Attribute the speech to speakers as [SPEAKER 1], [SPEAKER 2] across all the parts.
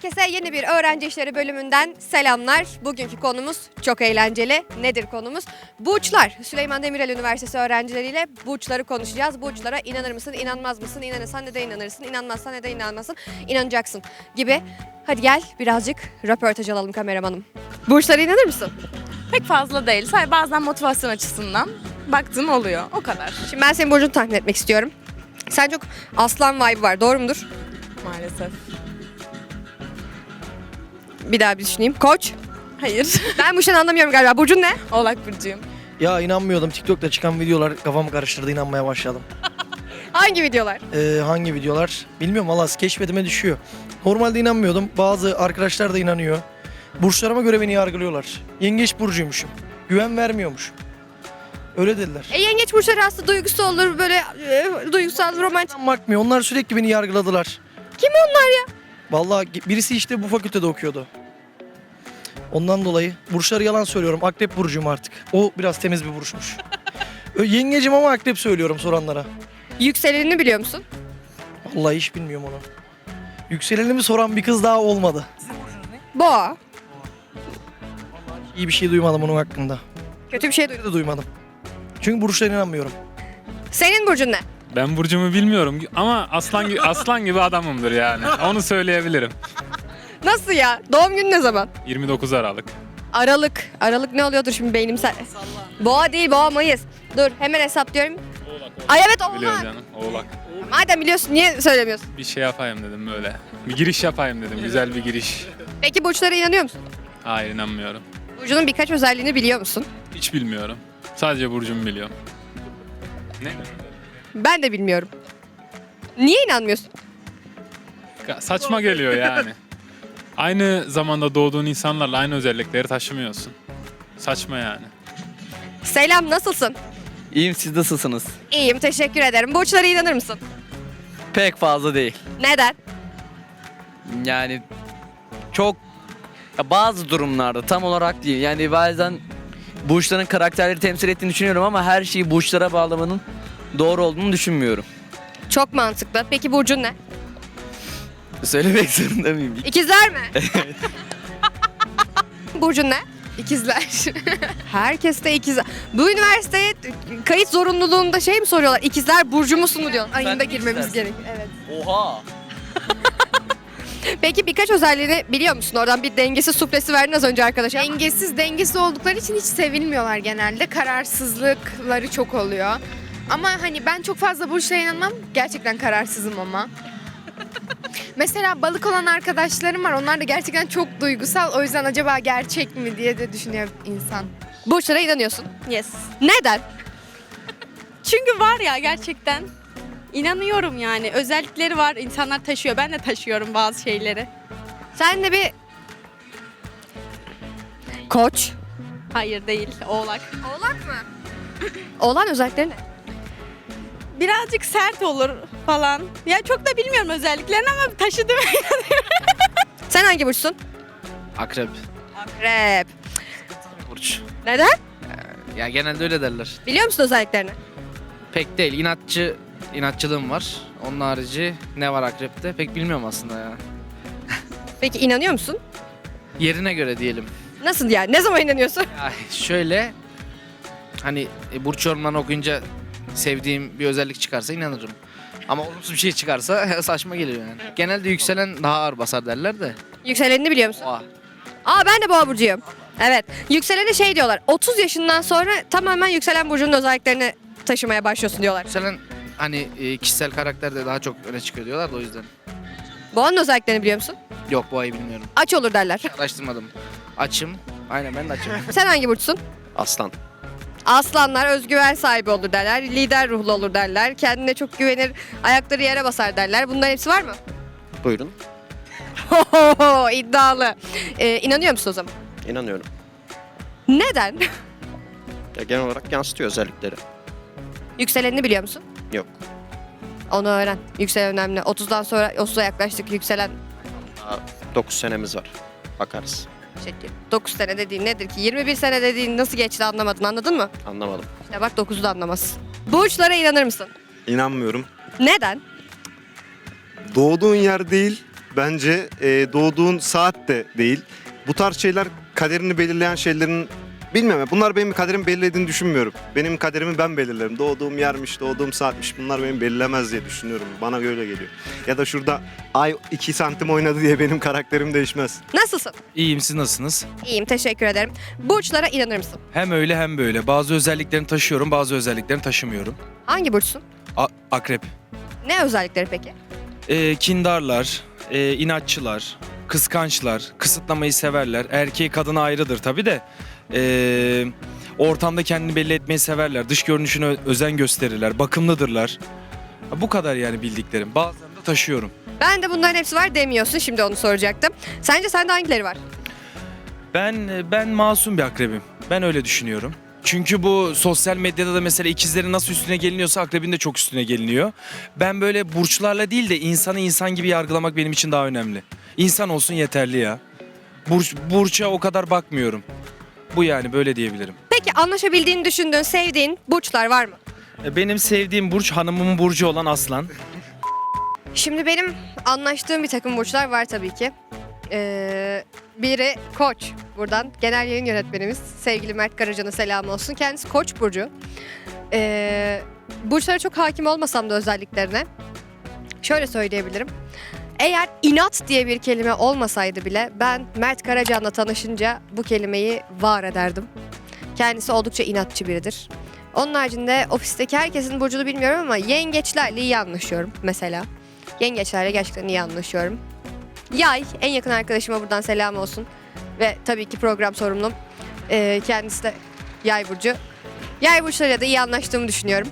[SPEAKER 1] Herkese yeni bir öğrenci işleri bölümünden selamlar. Bugünkü konumuz çok eğlenceli. Nedir konumuz? Burçlar. Süleyman Demirel Üniversitesi öğrencileriyle burçları konuşacağız. Burçlara inanır mısın, inanmaz mısın? İnanırsan neden inanırsın, inanmazsan neden inanmazsın? İnanacaksın gibi. Hadi gel birazcık röportaj alalım kameramanım. Burçlara inanır mısın?
[SPEAKER 2] Pek fazla değil. Sadece bazen motivasyon açısından baktığım oluyor. O kadar.
[SPEAKER 1] Şimdi ben senin burcunu tahmin etmek istiyorum. Sen çok aslan vibe var, doğru mudur?
[SPEAKER 2] Maalesef.
[SPEAKER 1] Bir daha bir düşüneyim. Koç.
[SPEAKER 2] Hayır.
[SPEAKER 1] Ben bu işten anlamıyorum galiba. Burcun ne?
[SPEAKER 2] Oğlak burcuyum.
[SPEAKER 3] Ya inanmıyordum. TikTok'ta çıkan videolar kafamı karıştırdı. İnanmaya başladım.
[SPEAKER 1] Hangi videolar?
[SPEAKER 3] Hangi videolar? Bilmiyorum valla keşfetime düşüyor. Normalde inanmıyordum. Bazı arkadaşlar da inanıyor. Burçlarıma göre beni yargılıyorlar. Yengeç burcuymuşum. Güven vermiyormuş. Öyle dediler.
[SPEAKER 1] Yengeç burçları aslında duygusu olur böyle duygusal, romantik.
[SPEAKER 3] Bakmıyor. Onlar sürekli beni yargıladılar.
[SPEAKER 1] Kim onlar ya?
[SPEAKER 3] Vallahi birisi işte bu fakültede okuyordu. Ondan dolayı burçları yalan söylüyorum. Akrep burcuyum artık. O biraz temiz bir burçmuş. Yengecim ama akrep söylüyorum soranlara.
[SPEAKER 1] Yükselenini biliyor musun?
[SPEAKER 3] Vallahi hiç bilmiyorum onu. Yükselenimi soran bir kız daha olmadı.
[SPEAKER 1] Boğa.
[SPEAKER 3] İyi bir şey duymadım onun hakkında.
[SPEAKER 1] Kötü bir şey duydum.
[SPEAKER 3] De duymadım. Çünkü burçlarına inanmıyorum.
[SPEAKER 1] Senin burcun ne?
[SPEAKER 4] Ben burcumu bilmiyorum ama aslan gibi adamımdır yani. Onu söyleyebilirim.
[SPEAKER 1] Nasıl ya? Doğum günü ne zaman?
[SPEAKER 4] 29 Aralık.
[SPEAKER 1] Aralık. Aralık ne oluyordur şimdi beynim sen? Boğa değil, boğa Mayıs. Dur hemen hesaplıyorum. Ay evet
[SPEAKER 4] Biliyorum
[SPEAKER 1] oğlak.
[SPEAKER 4] canım. Oğlak.
[SPEAKER 1] Madem biliyorsun niye söylemiyorsun?
[SPEAKER 4] Bir şey yapayım dedim böyle. Bir giriş yapayım dedim. Güzel bir giriş.
[SPEAKER 1] Peki burçlara inanıyor musun?
[SPEAKER 4] Hayır, inanmıyorum.
[SPEAKER 1] Burcunun birkaç özelliğini biliyor musun?
[SPEAKER 4] Hiç bilmiyorum. Sadece burcumu biliyorum. Ne?
[SPEAKER 1] Ben de bilmiyorum. Niye inanmıyorsun?
[SPEAKER 4] Saçma geliyor yani. Aynı zamanda doğduğun insanlarla aynı özellikleri taşımıyorsun. Saçma yani.
[SPEAKER 1] Selam, nasılsın?
[SPEAKER 5] İyiyim, siz nasılsınız?
[SPEAKER 1] İyiyim, teşekkür ederim. Burçlara inanır mısın?
[SPEAKER 5] Pek fazla değil.
[SPEAKER 1] Neden?
[SPEAKER 5] Yani çok bazı durumlarda tam olarak değil. Yani bazen burçların karakterleri temsil ettiğini düşünüyorum ama her şeyi burçlara bağlamanın doğru olduğunu düşünmüyorum.
[SPEAKER 1] Çok mantıklı. Peki burcun ne?
[SPEAKER 5] Söylemek zorunda mıyım?
[SPEAKER 1] İkizler mi? Burcun ne?
[SPEAKER 2] İkizler.
[SPEAKER 1] Herkes de ikizler. Bu üniversiteye kayıt zorunluluğunda şey mi soruyorlar? İkizler burcu musun mu diyor? Ayında
[SPEAKER 5] de
[SPEAKER 1] girmemiz
[SPEAKER 5] ikizlersin.
[SPEAKER 1] gerekiyor. Evet.
[SPEAKER 5] Oha!
[SPEAKER 1] Peki birkaç özelliğini biliyor musun? Oradan bir dengesiz suplesi verdin az önce arkadaşa.
[SPEAKER 6] Dengesiz oldukları için hiç sevilmiyorlar genelde. Kararsızlıkları çok oluyor. Ama hani ben çok fazla burçlara inanmam. Gerçekten kararsızım ama. Mesela balık olan arkadaşlarım var. Onlar da gerçekten çok duygusal. O yüzden acaba gerçek mi diye de düşünüyor insan.
[SPEAKER 1] Burçlara inanıyorsun.
[SPEAKER 2] Yes.
[SPEAKER 1] Neden?
[SPEAKER 2] Çünkü var ya gerçekten. İnanıyorum yani. Özellikleri var. İnsanlar taşıyor. Ben de taşıyorum bazı şeyleri.
[SPEAKER 1] Sen de bir Koç.
[SPEAKER 2] Hayır değil. Oğlak.
[SPEAKER 1] Oğlak mı? Oğlan özellikleri ne?
[SPEAKER 2] Birazcık sert olur falan. Ya çok da bilmiyorum özelliklerini ama taşıdım.
[SPEAKER 1] Sen hangi burçsun?
[SPEAKER 5] Akrep.
[SPEAKER 1] Akrep.
[SPEAKER 5] Burç.
[SPEAKER 1] Neden?
[SPEAKER 5] Ya genelde öyle derler.
[SPEAKER 1] Biliyor musun özelliklerini?
[SPEAKER 5] Pek değil. İnatçılığım var. Onun harici ne var akrepte pek bilmiyorum aslında ya.
[SPEAKER 1] Peki inanıyor musun?
[SPEAKER 5] Yerine göre diyelim.
[SPEAKER 1] Nasıl yani? Ne zaman inanıyorsun?
[SPEAKER 5] Ya şöyle hani burç yorumlarını okuyunca sevdiğim bir özellik çıkarsa inanırım. Ama olumsuz bir şey çıkarsa saçma geliyor yani. Genelde yükselen daha ağır basar derler de.
[SPEAKER 1] Yükselenini biliyor musun?
[SPEAKER 5] Oha.
[SPEAKER 1] Aa ben de boğa burcuyum. Evet. Yükselene şey diyorlar. 30 yaşından sonra tamamen yükselen burcunun özelliklerini taşımaya başlıyorsun diyorlar.
[SPEAKER 5] Yükselen hani kişisel karakterde daha çok öne çıkıyor diyorlar da o yüzden.
[SPEAKER 1] Boğanın özelliklerini biliyor musun?
[SPEAKER 5] Yok bu ayı bilmiyorum.
[SPEAKER 1] Aç olur derler.
[SPEAKER 5] Araştırmadım. Açım. Aynen ben de açım.
[SPEAKER 1] Sen hangi burçsun?
[SPEAKER 7] Aslan.
[SPEAKER 1] Aslanlar özgüven sahibi olur derler. Lider ruhlu olur derler. Kendine çok güvenir. Ayakları yere basar derler. Bunların hepsi var mı?
[SPEAKER 7] Buyurun.
[SPEAKER 1] İddialı. İnanıyor musun o zaman?
[SPEAKER 7] İnanıyorum.
[SPEAKER 1] Neden?
[SPEAKER 7] Ya genel olarak yansıtıyor özellikleri.
[SPEAKER 1] Yükselenini biliyor musun?
[SPEAKER 7] Yok.
[SPEAKER 1] Onu öğren. Yükselen önemli. 30'dan sonra 30'a yaklaştık. Yükselen
[SPEAKER 7] Daha 9 senemiz var. Bakarız.
[SPEAKER 1] şekil. 9 sene dediğin nedir ki? 21 sene dediğin nasıl geçti anlamadın. Anladın mı?
[SPEAKER 7] Anlamadım.
[SPEAKER 1] İşte bak 9'u da anlamazsın. Burçlara inanır mısın?
[SPEAKER 8] İnanmıyorum.
[SPEAKER 1] Neden?
[SPEAKER 8] Doğduğun yer değil, Bence doğduğun saat de değil. Bu tarz şeyler kaderini belirleyen şeylerin bilmem. Bunlar benim kaderimi belirlediğini düşünmüyorum. Benim kaderimi ben belirlerim. Doğduğum yermiş, doğduğum saatmiş bunlar benim belirlemez diye düşünüyorum. Bana öyle geliyor. Ya da şurada ay 2 santim oynadı diye benim karakterim değişmez.
[SPEAKER 1] Nasılsın?
[SPEAKER 9] İyiyim, siz nasılsınız?
[SPEAKER 1] İyiyim, teşekkür ederim. Burçlara inanır mısın?
[SPEAKER 9] Hem öyle hem böyle. Bazı özelliklerini taşıyorum, bazı özelliklerini taşımıyorum.
[SPEAKER 1] Hangi burçsun?
[SPEAKER 9] Akrep.
[SPEAKER 1] Ne özellikleri peki?
[SPEAKER 9] Kindarlar, inatçılar, kıskançlar, kısıtlamayı severler. Erkeği kadına ayrıdır tabii de. Ortamda kendini belli etmeyi severler. Dış görünüşüne özen gösterirler. Bakımlıdırlar. Bu kadar yani bildiklerim. Bazılarını da taşıyorum.
[SPEAKER 1] Ben de bunların hepsi var demiyorsun. Şimdi onu soracaktım. Sence sende hangileri var?
[SPEAKER 9] Ben masum bir akrebim. Ben öyle düşünüyorum. Çünkü bu sosyal medyada da mesela ikizlerin nasıl üstüne geliniyorsa akrebin de çok üstüne geliniyor. Ben böyle burçlarla değil de insanı insan gibi yargılamak benim için daha önemli. İnsan olsun yeterli ya. Burça o kadar bakmıyorum. Bu yani böyle diyebilirim.
[SPEAKER 1] Peki anlaşabildiğini düşündüğün, sevdiğin burçlar var mı?
[SPEAKER 9] Benim sevdiğim burç hanımımın burcu olan Aslan.
[SPEAKER 1] Şimdi benim anlaştığım bir takım burçlar var tabii ki. Biri Koç. Buradan genel yayın yönetmenimiz sevgili Mert Karacan'a selam olsun. Kendisi Koç burcu. Burçlara çok hakim olmasam da özelliklerine şöyle söyleyebilirim. Eğer inat diye bir kelime olmasaydı bile ben Mert Karacan'la tanışınca bu kelimeyi var ederdim. Kendisi oldukça inatçı biridir. Onun haricinde ofisteki herkesin burcunu bilmiyorum ama yengeçlerle iyi anlaşıyorum mesela. Yengeçlerle gerçekten iyi anlaşıyorum. Yay, en yakın arkadaşıma buradan selam olsun. Ve tabii ki program sorumlum. Kendisi de Yay burcu. Yay burçlarıyla da iyi anlaştığımı düşünüyorum.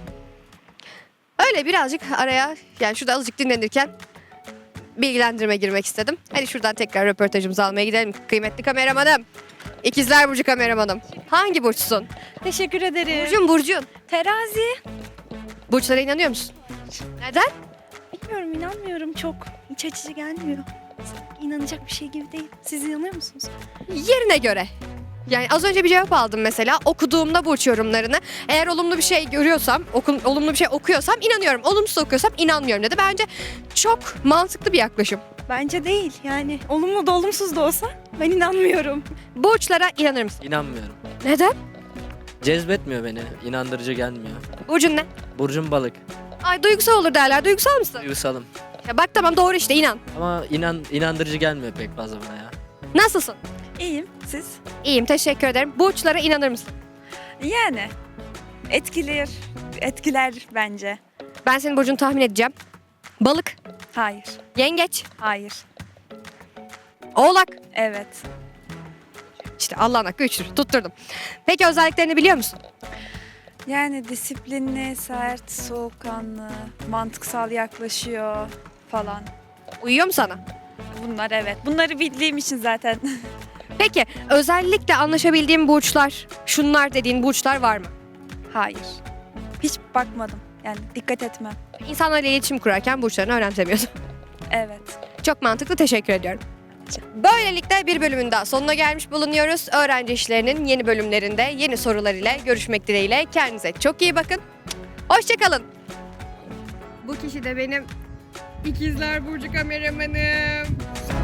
[SPEAKER 1] Öyle birazcık araya, yani şurada azıcık dinlenirken bilgilendirme girmek istedim. Hadi şuradan tekrar röportajımızı almaya gidelim. Kıymetli kameramanım. İkizler Burcu kameramanım. Hangi burçsun?
[SPEAKER 10] Teşekkür ederim.
[SPEAKER 1] Burcun.
[SPEAKER 10] Terazi.
[SPEAKER 1] Burçlara inanıyor musun? Neden?
[SPEAKER 10] Bilmiyorum, inanmıyorum çok. İç açıcı gelmiyor. İnanacak bir şey gibi değil. Siz inanıyor musunuz?
[SPEAKER 1] Yerine göre. Yani az önce bir cevap aldım mesela. Okuduğumda burç yorumlarını. Eğer olumlu bir şey görüyorsam, olumlu bir şey okuyorsam inanıyorum. Olumsuz okuyorsam inanmıyorum dedi. Bence çok mantıklı bir yaklaşım.
[SPEAKER 10] Bence değil. Yani olumlu da olumsuz da olsa ben inanmıyorum.
[SPEAKER 1] Burçlara inanır mısın?
[SPEAKER 11] İnanmıyorum.
[SPEAKER 1] Neden?
[SPEAKER 11] Cezbetmiyor beni. İnandırıcı gelmiyor.
[SPEAKER 1] Burcun ne?
[SPEAKER 11] Burcum balık.
[SPEAKER 1] Ay duygusal olur derler. Duygusal mısın?
[SPEAKER 11] Duygusalım.
[SPEAKER 1] Ya bak tamam doğru işte inan.
[SPEAKER 11] Ama inandırıcı gelmiyor pek fazla bana ya.
[SPEAKER 1] Nasılsın?
[SPEAKER 10] İyiyim. Siz?
[SPEAKER 1] İyiyim teşekkür ederim. Burçlara inanır mısın?
[SPEAKER 10] Yani. Etkiler bence.
[SPEAKER 1] Ben senin burcunu tahmin edeceğim. Balık,
[SPEAKER 10] Hayır.
[SPEAKER 1] yengeç,
[SPEAKER 10] Hayır.
[SPEAKER 1] oğlak.
[SPEAKER 10] Evet.
[SPEAKER 1] İşte Allah'ın hakkı üçtür. Tutturdum. Peki özelliklerini biliyor musun?
[SPEAKER 10] Yani disiplinli, sert, soğukkanlı, mantıksal yaklaşıyor falan.
[SPEAKER 1] Uyuyor mu sana?
[SPEAKER 10] Bunlar evet. Bunları bildiğim için zaten.
[SPEAKER 1] Peki özellikle anlaşabildiğin burçlar, şunlar dediğin burçlar var mı?
[SPEAKER 10] Hayır. Hiç bakmadım. Yani dikkat etmem.
[SPEAKER 1] İnsanlarla iletişim kurarken burçlarını önemsemiyorsun.
[SPEAKER 10] Evet.
[SPEAKER 1] Çok mantıklı, teşekkür ediyorum. Böylelikle bir bölümün daha sonuna gelmiş bulunuyoruz. Öğrenci işlerinin yeni bölümlerinde yeni sorular ile görüşmek dileğiyle. Kendinize çok iyi bakın. Hoşçakalın. Bu kişi de benim İkizler Burcu kameramanım.